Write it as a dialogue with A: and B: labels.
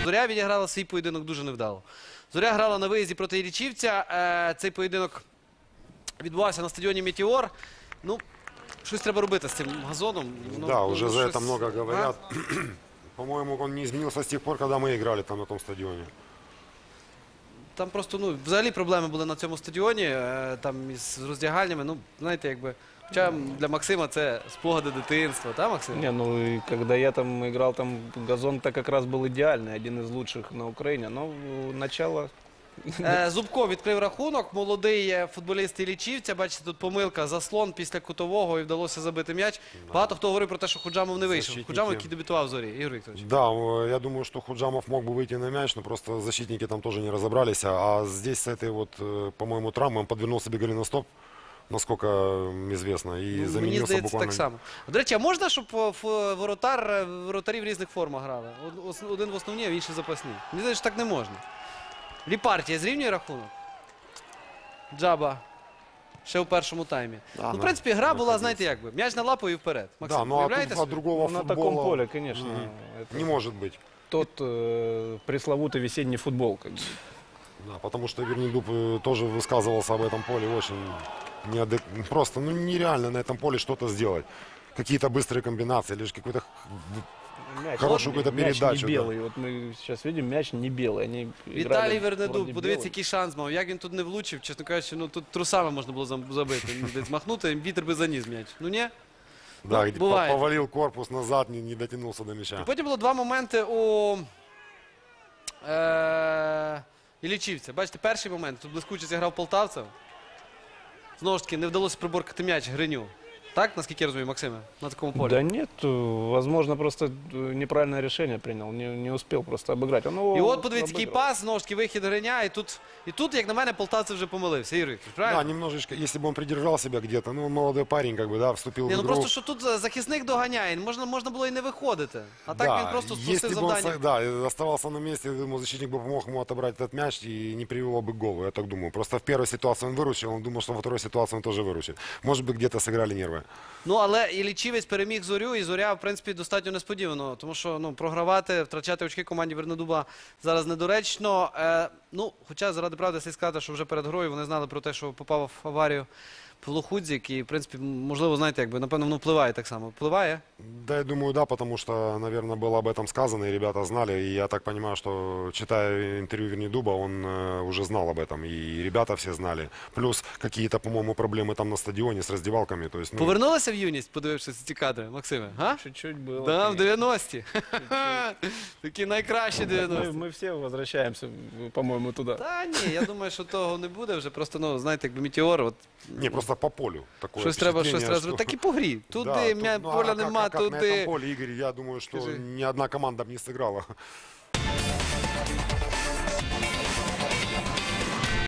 A: Зоря відіграла свій поєдинок дуже невдало. Зоря грала на виїзді проти Іллічівця. Цей поєдинок відбувався на стадіоні «Метеор». Ну, щось треба робити з цим газоном.
B: Да, уже за это много говорят. По-моему, он не изменился с тех пор, когда мы играли там на том стадионе.
A: Там просто, ну, взагалі проблеми були на цьому стадіоні, там із роздягальнями, ну, знаєте, якби, хоча для Максима це спогади дитинства, так, Максим?
C: Не, ну и когда я там играл, там газон-то как раз был идеальный, один из лучших на Украине. Но начало...
A: Зубко відкрив рахунок, молодий футболіст Іллічівця, бачите, тут помилка, заслон після кутового і вдалося забити м'яч. Багато хто говорив про те, що Худжамов не вийшов. Худжамов, який дебютував в Зорі, Ігор Вікторович.
B: Да, я думаю, что Худжамов мог бы выйти на мяч, но просто защитники там тоже не разобрались. А здесь с этой вот, по-моему, травмой он подвернул себе голеностоп, насколько известно, и
A: Мені
B: заменился
A: здається,
B: буквально...
A: так само. До речі, а можна, щоб воротарі в різних формах грали? Один в основній, а інший запасний. Мені здається, що так не можна. Ліпартія зрівнює рахунок. Джаба ще у першому таймі.
B: Да,
A: ну, в принципі, гра була, знаєте, як би, м'яч на лапу і вперед. Максим,
B: Да, ну а
A: уявляєте
B: тут
A: собі?
B: от другого
C: На
B: футбола
C: таком поле, конечно. Это
B: не может быть.
C: тот пресловутый весенний футбол. Как бы.
B: Да, потому что Вернидуб тоже высказывался об этом поле очень просто, ну нереально на этом поле что-то сделать. Какие-то быстрые комбинации, лишь какой-то
C: Мяч,
B: хорошую какую-то
C: мяч
B: передачу.
C: не белый. Вот мы сейчас видим, мяч не белый. Они
A: Віталій
C: играли
A: Вернидуб,
C: вроде
A: подивіться,
C: белый.
A: який шанс мав. Як він тут не влучив, чесно кажучи, ну тут трусами можна було забити. Десь махнути, вітер би заніс м'яч. Ну ні?
B: Да,
A: Ну,
B: где
A: бывает.
B: повалил корпус назад, не дотянулся до мяча.
A: Потім було два моменти у Іллічівця. Бачите, перший момент, тут блискуче зіграв полтавцев. Знову ж таки, не вдалося приборкати м'яч Гриню. Так, наскільки я розумію, Максиме, на такому полі?
C: Да нет, возможно, просто неправильное решение принял, не успел просто обыграть. Он его
A: І от, подивіться, який
C: обыграл.
A: пас, знову ж таки, вихід Гриня, і тут, як на мене, полтавцев вже помилився. Ігор Вікторович,
B: Да,
A: правильно?
B: немножечко, если бы он придержал себя где-то, ну, он молодой парень, как бы, да, вступил
A: Ні,
B: в
A: ну
B: игру.
A: просто, що тут захисник доганяє, можна було і не виходити. А так він просто
B: если
A: спустив
B: бы он,
A: завдання.
B: да, оставался на месте, я думаю, защитник бы помог ему отобрать этот мяч и не привело бы к голу, я так думаю. Просто в первой ситуации он выручил, он думал, что во второй ситуации он тоже выручит. Может быть, где-то сыграли нервы.
A: Ну, але Іллічівець переміг Зорю, і Зоря, в принципі, достатньо несподівано. Тому що, ну, програвати, втрачати очки команді Вернидуба зараз недоречно. Ну, хоча, заради правди, слід сказати, що вже перед грою вони знали про те, що попав в аварію Полухудзік. І, в принципі, можливо, знаєте, якби, напевно, воно впливає так само. Впливає?
B: Да, я думаю, да, потому что, наверное, было об этом сказано, и ребята знали. И я так понимаю, что, читая интервью Вернидуба, он уже знал об этом. И ребята все знали. Плюс какие-то, по-моему, проблемы там на стадионе с раздевалками. То есть, ну,
A: Повернулися в юність, подивившись ці кадри, Максиме? Га?
C: Чуть-чуть было.
A: Да, в
C: конечно.
A: 90-ті. Такі найкращі 90-ті.
C: Мы все возвращаемся, по-моему, туда.
A: Та ні, я думаю, що того не буде вже. Просто, ну, знаєте, якби Метеор, от,
B: не, просто по полю. Такое
A: щось треба
B: впечатление,
A: зробити. Так і по грі. Туди,
B: Да, тут,
A: поля
B: а
A: нема,
B: как на этом
A: туди.
B: поле, Игорь, я думаю, что
A: Скажи.
B: ни одна команда бы не сыграла.